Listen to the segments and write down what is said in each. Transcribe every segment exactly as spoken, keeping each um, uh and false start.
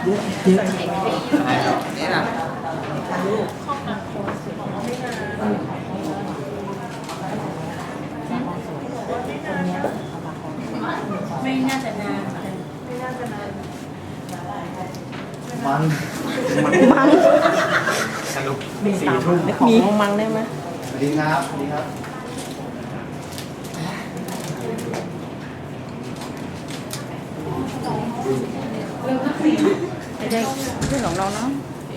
นี่นะไม่น่าจะนานมันมังสรุปสี่ทุ่มมีของมังได้ไหมสวัสดีครับสวัสดีครับเด็กเพื่อนของเราเนาะ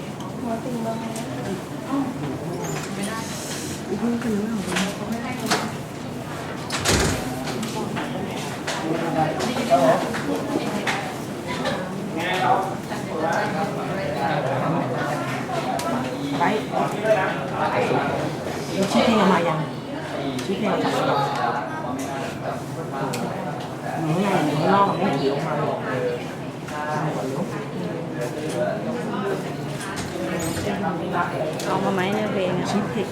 ไปชื่อเพลงมายังชื่อเพลงจับยังหนูใหญ่หนูนอกไม่ถือออกมาเอามาไหมเนี่ยเพลงชิปเพลง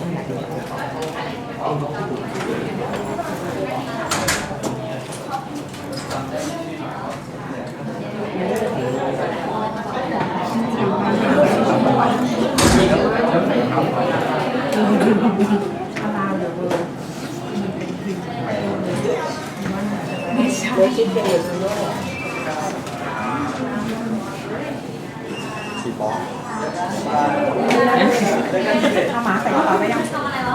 ไม่ใช่ชิปเพลงสี่ปอถ้าหมาใส่กระเป๋าไปยัง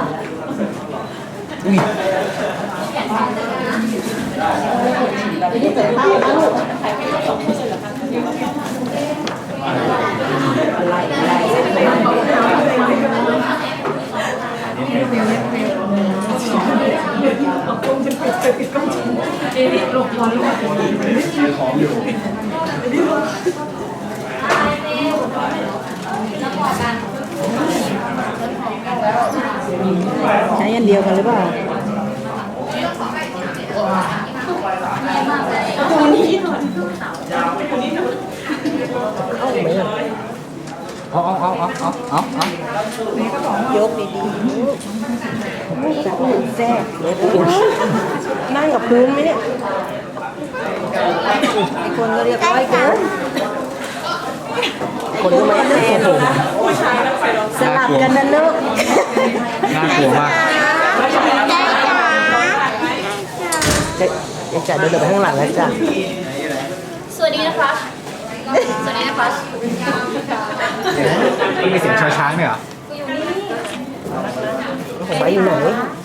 นี่เสร็จแล้วนะลูกอะไรอะไรเอากล้องจะปิดจะปิดกล้องเอ๊ะหลบร้อนลูกซื้อของอยู่ใช้อันเดียวกันหรือเปล่าตัวนี้หน่อยเอาไหมอ่ะเอาเอาเอาเอาเอาเอาเอายกดีๆจับหุ่นแซ่บนั่งกับพื้นไหมเนี่ยคนก็เรียกร้อยเกินคนก็ไม่แน่สลับกันนะลูกน่ากลัวมากจะจะเดินไปข้างหลังแล้วจ้ะสวัสดีนะคะสวัสดีนะคะมันมีเสียงช้างๆเนี่ยเหรอผมไปอยู่ไหน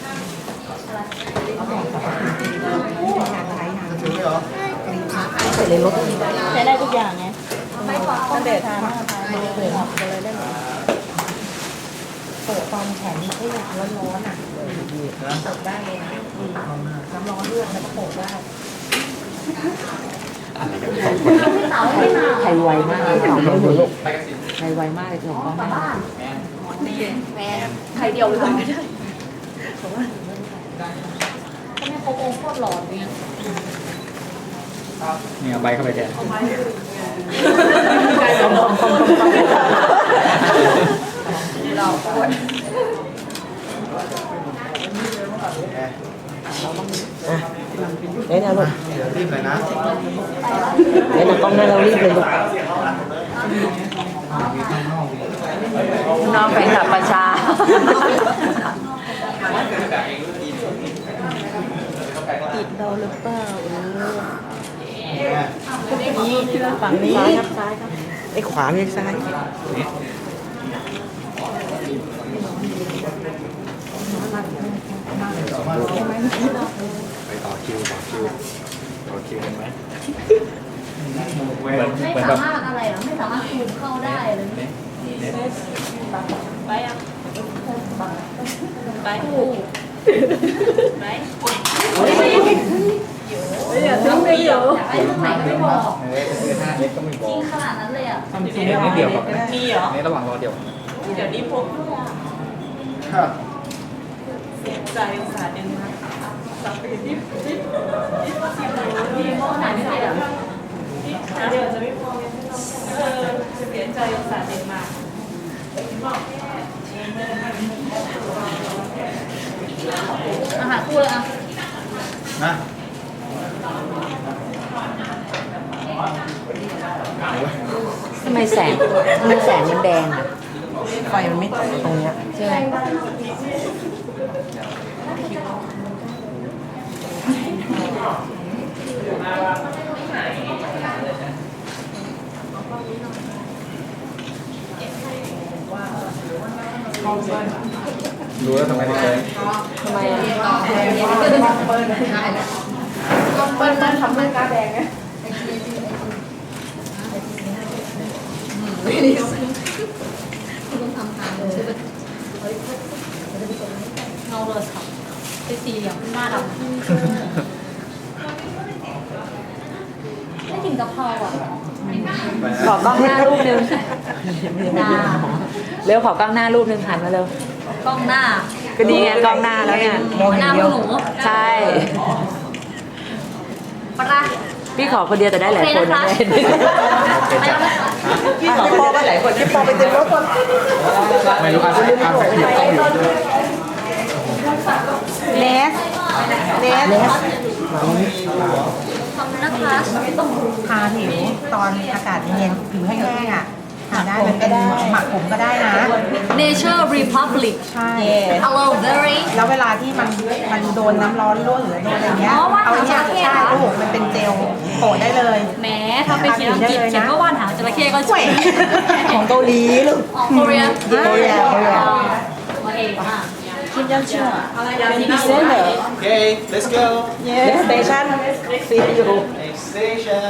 ใส่ในรถใช้ได้ทุกอย่างไงตั้งแต่ทานมาทานมาเปิดออกเลยได้ไหมเปิดตอนแขนนี่อยากร้อนๆอ่ะเปิดได้เลยนะน้ำร้อนเลือดแล้วก็โปะได้ไทยไวมากเลยของเราลูกไทยไวมากเลยของเราแมนใครเดียวเลยไม่ได้เพราะว่าก็ไม่โคโค่โคตรหลอนเนี่ยเนี่ยใบเข้าไปแทนเราปวดเล่นนะลูกรีบเลยนะเล่นนะกล้องหน้าเรารีบเลยลูกน้องแฟนคลับประชาติดเราหรือเปล่านี่ฝั่งนี้ครับซ้ายครับไอ้ขวาไม่ใช่ซ้ายไปต่อคิวต่อคิวต่อคิวกันไหมเหมือนเหมือนแบบไม่สามารถอะไรหรอไม่สามารถคูมเข้าได้เลยไปอ่ะไปคู่ไปอย่าทิ้งไปเดี๋ยวอยากได้ตรงไหนก็ไม่บอกเออคือห้าเล็กก็ไม่บอจริงกขนาดนั้นเลยอ่ะทำจริงนิดเดียวกับนี่เหรอในระหว่างรอเดียวเดี๋ยวนี้พกครับเสียใจอุตส่าห์เดินมาสับไปที่ที่มีโม่ไหนไม่ได้หรอเดี๋ยวจะไม่พอเออเสียใจอุตส่าห์เดินมาอาหารคู่เลยอ่ะนะสำไมแสงทำไมแสงมันแดงอ่ะไฟมันไม่ตกตรงเนี้ยใช่ไหมรู้แล้วทำไมถึงเลยทำไมอ่ะเปิ้ลเปิ้ลมันทำเรื่องกาแดงไงเงาโทรศัพท์เป็นสีเหลืองหน้าดำไม่กินกะเพราอ่ะขอกล้องหน้ารูปนึงเร็วขอกล้องหน้ารูปนึงหันมาเร็วกล้องหน้าก็ดีไงกล้องหน้าแล้วเนี่ยหน้าพวกหนูใช่ปะละพี่ขอคนเดียวแต่ได้หลายคนนะไปแล้วนะคะพี่ขอพอกันหลายคนพี่พอไปเต็มรถคนไม่รู้อาสาอาสาขีต้องอยู่ด้วยเนสเนสเนสขอบคุณนะคะทาผิวตอนอากาศเย็นผิวแห้งๆอ่ะทาได้มันเป็นหมักผมก็ได้นะ Nature Republic ใช่ Aloe Berry แล้วเวลาที่มันมันโดนน้ำร้อนลวกหรือโดนอะไรเงี้ยอ๋อว่านเอาเนี่ยหางจระเข้ใช่เหรอลูกมันเป็นเจลโปะได้เลยแหมถ้าไปเขียนอังกฤษเขียนว่าว่านหางจระเข้ก็ช่วยของเกาหลีลูกอ๋อ Korea โคเรียโคเรียโอเคค่ะคิดยังเชื่อเป็นพิเศษเหรอ Okay, let's go. Next station see you Next station.